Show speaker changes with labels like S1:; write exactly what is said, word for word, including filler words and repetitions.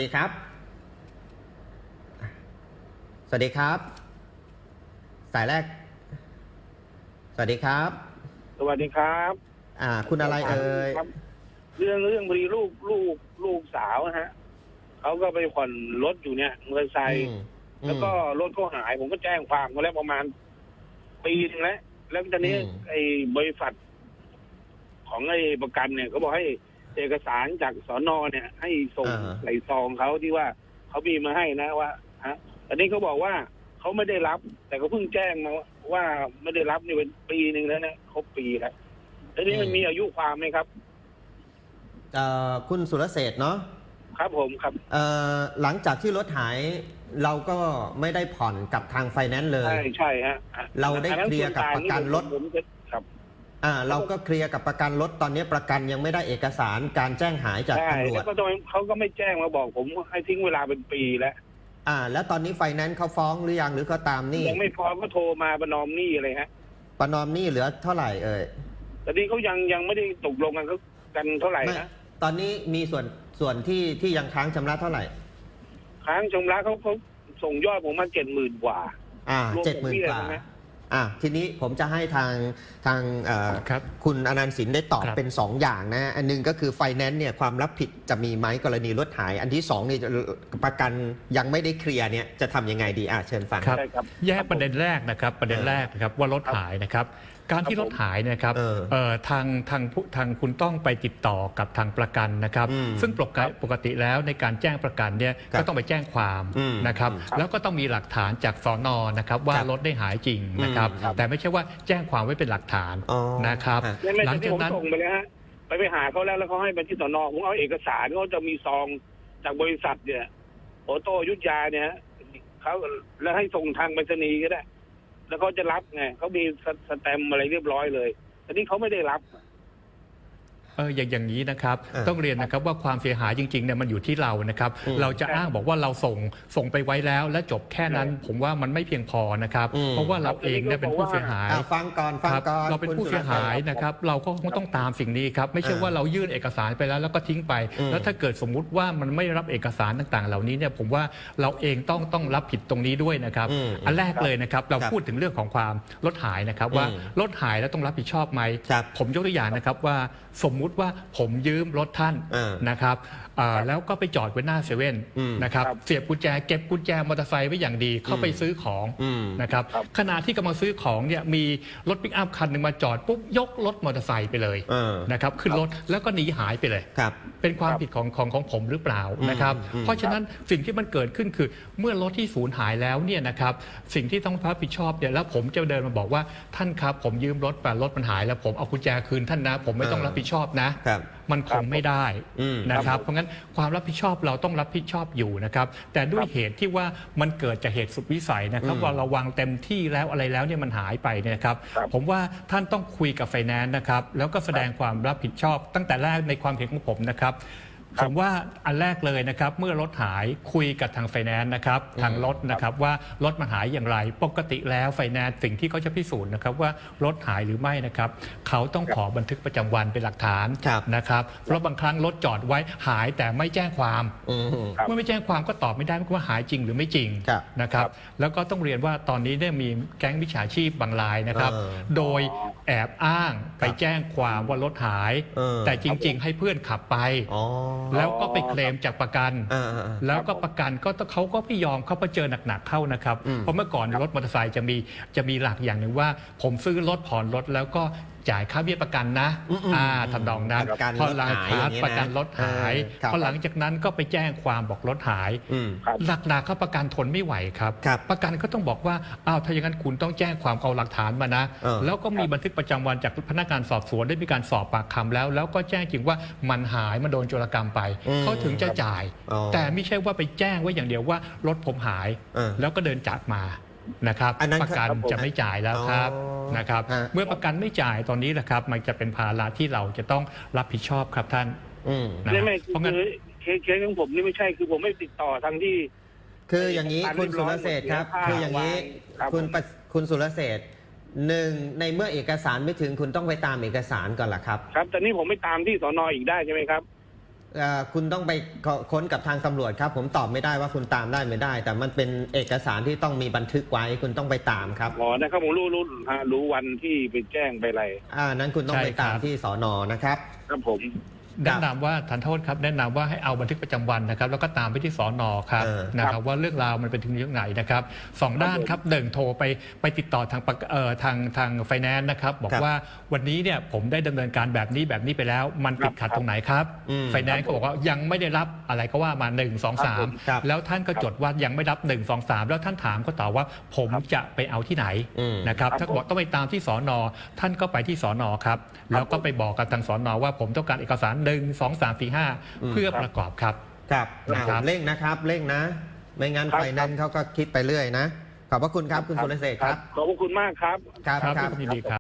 S1: สวัสดีครับสวัสดีครับสายแรกสวัสดีครับ
S2: สวัสดีครับ
S1: อ่าคุณอะไรเอ่ย
S2: เรื่องเรื่องพอดีลูกลูกลูกสาวนะฮะเขาก็ไปผ่อนรถอยู่เนี่ยมอเตอร์ไซค์แล้วก็รถเขาหายผมก็แจ้งความมาแล้วประมาณปีนึงแล้วแล้วตอนนี้ไอ้บริษัทของไอ้ประกันเนี่ยเขาบอกให้เอกสารจากสน.เนี่ยให้ส่งใส่ซองเขาที่ว่าเขามีมาให้นะว่าฮะตอนนี้เขาบอกว่าเขาไม่ได้รับแต่เขาเพิ่งแจ้งมาว่าไม่ได้รับนี่เป็นปีหนึ่งแล้วนะครบปีแล้วแล้วนี่มันมีอายุความไหมครับ
S1: เอ่อคุณสุรเศรษฐ์เนาะ
S2: ครับผมครับ
S1: เอ่อหลังจากที่รถหายเราก็ไม่ได้ผ่อนกับทางไฟแนนซ์เลย
S2: ใช่ใช่ฮะ
S1: เราได้เคลียร์กับประกันรถ
S2: ครับ
S1: อ่าเราก็เคลียร์กับประกันรถตอนนี้ประกันยังไม่ได้เอกสารการแจ้งหายจากตำรวจ
S2: แล้วก็เขาก็ไม่แจ้งมาบอกผมให้ทิ้งเวลาเป็นปีแล้ว
S1: อ่าแล้วตอนนี้ไฟแนนซ์เขาฟ้องหรือยังหรือเขาตามหนี้
S2: ยังไม่ฟ้องก็โทรมาประนอมหนี้อะไรฮะ
S1: ประนอมหนี้เหลือเท่าไหร่เอ่ย
S2: ตอนนี้เขายังยังไม่ได้ตกลงกันเขากันเท่าไหร่นะ
S1: ตอนนี้มีส่วนส่วนที่ที่ยังค้างชำระเท่าไหร่
S2: ค้างชำระเขาเขาส่งยอดผมมาเจ็ดหมื่นกว่า
S1: อ่าเจ็ดหมื่นกว่าอ่ะทีนี้ผมจะให้ทางทางคคุณอนันต์สินได้ตอบเป็นสองอย่างนะอันนึงก็คือไฟแนนซ์เนี่ยความรับผิดจะมีไหมกรณีรถหายอันที่สองนี่ประกันยังไม่ได้เคลียร์เนี่ยจะทำยังไงดีอ่ะเชิญฟัง
S3: ครับแยกประเด็นแรกนะครับประเด็นแรกนะครับว่ารถหายนะครับการที่รถหายนะครับทางทางทางคุณต้องไปติดต่อกับทางประกันนะครับซึ่งปกติแล้วในการแจ้งประกันเนี่ยก็ต้องไปแจ้งความนะครับแล้วก็ต้องมีหลักฐานจากสน.นะครับว่ารถได้หายจริงนะครับแต่ไม่ใช่ว่าแจ้งความไว้เป็นหลักฐานนะครับ
S2: หลังจากนั้นส่งไปเลยฮะไปไปหาเขาแล้วแล้วเขาให้ไปที่สน.ผมเอาเอกสารเขาจะมีซองจากบริษัทเนี่ยโอโต้ยุทธยาเนี่ยเขาแล้วให้ส่งทางไปรษณีย์ก็ได้แล้วเขาจะรับไงเขามีสแตมป์อะไรเรียบร้อยเลยแต่นี่เขาไม่ได้รับ
S3: เอออย่างอย่างนี้นะครับต้องเรียนนะครับว่าความเสียหายจริงๆเนี่ยมันอยู่ที่เรานะครับเราจะอ้างบอกว่าเราส่งส่งไปไว้แล้วและจบแค่นั้นผมว่ามันไม่เพียงพอนะครับเพราะว่าเราเองเนี่ยเป็นผู้เสียหาย
S1: ฟังก่อนฟังก่อน
S3: เราเป็นผู้เสียหายนะครับเราก็คงต้องตามสิ่งนี้ครับไม่ใช่ว่าเรายื่นเอกสารไปแล้วแล้วก็ทิ้งไปแล้วถ้าเกิดสมมุติว่ามันไม่รับเอกสารต่างๆเหล่านี้เนี่ยผมว่าเราเองต้องต้องรับผิดตรงนี้ด้วยนะครับอันแรกเลยนะครับเราพูดถึงเรื่องของความรถหายนะครับว่ารถหายแล้วต้องรับผิดชอบไหมผมยกตัวอย่างนะครับว่าสมมุติว่าผมยืมรถท่านนะครับแล้วก็ไปจอดไว้หน้าเซเว่นนะครับเสียบกุญแจเก็บกุญแจมอเตอร์ไซค์ไว้อย่างดีเข้าไปซื้อของนะครับขณะที่กำลังซื้อของเนี่ยมีรถปิกอัพคันหนึ่งมาจอดปุ๊บยกรถมอเตอร์ไซค์ไปเลยนะครับขึ้นรถแล้วก็หนีหายไปเลยเป็นความผิดของของของผมหรือเปล่านะครับเพราะฉะนั้นสิ่งที่มันเกิดขึ้นคือเมื่อรถที่สูญหายแล้วเนี่ยนะครับสิ่งที่ต้องรับผิดชอบเนี่ยแล้วผมจะเดินมาบอกว่าท่านครับผมยืมรถแต่รถมันหายแล้วผมเอากุญแจคืนท่านนะผมไม่ต้องรับผิดชอบนะมันคงไม่ได้นะครับเพราะงั้นความรับผิดชอบเราต้องรับผิดชอบอยู่นะครับแต่ด้วยเหตุที่ว่ามันเกิดจากเหตุสุดวิสัยนะครับว่าเราวางเต็มที่แล้วอะไรแล้วเนี่ยมันหายไปเนี่ยครับผมว่าท่านต้องคุยกับไฟแนนซ์นะครับแล้วก็แสดงความรับผิดชอบตั้งแต่แรกในความเห็นของผมนะครับผมว่าอันแรกเลยนะครับเมื่อรถหายคุยกับทางไฟแนนซ์นะครับทางรถนะครับว่ารถมันหายอย่างไรปกติแล้วไฟแนนซ์สิ่งที่เขาจะพิสูจน์นะครับว่ารถหายหรือไม่นะครับเขาต้องขอบันทึกประจำวันเป็นหลักฐานนะครับเพราะบางครั้งรถจอดไว้หายแต่ไม่แจ้งความเมื่อไม่แจ้งความก็ตอบไม่ได้ว่าหายจริงหรือไม่จริงนะครับแล้วก็ต้องเรียนว่าตอนนี้ได้มีแก๊งมิจฉาชีพบางรายนะครับโดยแอบอ้างไปแจ้งความว่ารถหายแต่จริงๆให้เพื่อนขับไปแล้วก็ไปเคลมจากประกันแล้วก็ประกันก็เขาก็ไม่ยอมเขาไปเจอหนักๆเข้านะครับเพราะเมื่อก่อนรถมอเตอร์ไซค์จะมีจะมีหลักอย่างหนึ่งว่าผมซื้อรถผ่อนรถแล้วก็จ่ายค่าเบี้ยประกันนะอ่าทำนองนั้นพอหลังจากประกันรถหายพอหลังจากนั้นก็ไปแจ้งความบอกรถหายหนักๆเขาประกันทนไม่ไหวครับประกันก็ต้องบอกว่าอ้าวถ้าอย่างนั้นคุณต้องแจ้งความเอาหลักฐานมานะแล้วก็มีบันทึกประจำวันจากพนักงานสอบสวนได้มีการสอบปากคำแล้วแล้วก็แจ้งจริงว่ามันหายมันโดนโจรกรรมไปเขาถึงจะจ่ายแต่ไม่ใช่ว่าไปแจ้งไว้อย่างเดียวว่ารถผมหายแล้วก็เดินจากมานะครับประกันจะไม่จ่ายแล้วครับนะครับเมื่อประกันไม่จ่ายตอนนี้แหละครับมันจะเป็นภาระที่เราจะต้องรับผิดชอบครับท่าน
S2: ไม่ไม่เพราะงั้นเคสของผมนี่ไม่ใช่คือผมไม่ติดต่อทางที่
S1: คืออย่างนี้คุณสุรเศรษฐ์ครับคืออย่างนี้คุณคุณสุรเศรษฐ์หนึ่งในเมื่อเอกสารไม่ถึงคุณต้องไปตามเอกสารก่อนล่ะครับ
S2: ครับแต่นี่ผมไม่ตามที่สน.อีกได้ใช่ไหมครับ
S1: เอ่อคุณต้องไปค้นกับทางตำรวจครับ ผมตอบไม่ได้ว่าคุณตามได้ไม่ได้ แต่มันเป็นเอกสารที่ต้องมีบันทึกไว้คุณต้องไปตามครับ
S2: อ๋อนะครับผมรู้รู้ฮะรู้วันที่ไปแจ้งไปอะไร
S1: อ่านั้นคุณต้องไปตามที่สนนะครับ
S2: ครับผม
S3: แนะนำว่าทันโทษครับแนะนำว่าให้เอาบันทึกประจำวันนะครับแล้วก็ตามไปที่สอนอครับ
S1: เออ
S3: นะครับว่าเรื่องราวมันเป็นถึงยังไงนะครับสองด้านครับหนึ่งโทรไปไปติดต่อทางประเอ่อทางทางไฟแนนซ์นะครับบอกว่าวันนี้เนี่ยผมได้ดำเนินการแบบนี้แบบนี้ไปแล้ว มันติดขัดตรงไหนครับ
S1: อืม
S3: ไฟแนนซ์ก็บอกว่ายังไม่ได้รับอะไรก็ว่ามาหนึ่ง สอง สาม
S1: ครับ
S3: แล้วท่านก็จดว่ายังไม่รับหนึ่ง สอง สามแล้วท่านถามก็ตอบว่าผมจะไปเอาที่ไหน
S1: อืม
S3: นะครับ
S2: ครับ
S3: ถ้าบอกต้องไปตามที่สอนอท่านก็ไปที่สอนอครับแล้วก็ไปบอกกับทางสอนอว่าผมต้องการเอกสารหนึ่ง สอง สาม สี่ ห้า
S1: อืม
S3: เพื่อประกอบครับ
S1: ครับ
S3: นะครับ
S1: เร่งนะครับเร่งนะ ไม่งั้น
S2: ครับ
S1: ไฟแนนซ์เขาก็คิดไปเรื่อยนะ ขอบพระคุณครับคุณสุรเสกครับ
S2: ขอบพระคุณมากครับ
S1: ครับ
S3: ครับ
S1: ครับ
S3: ยินดีครับ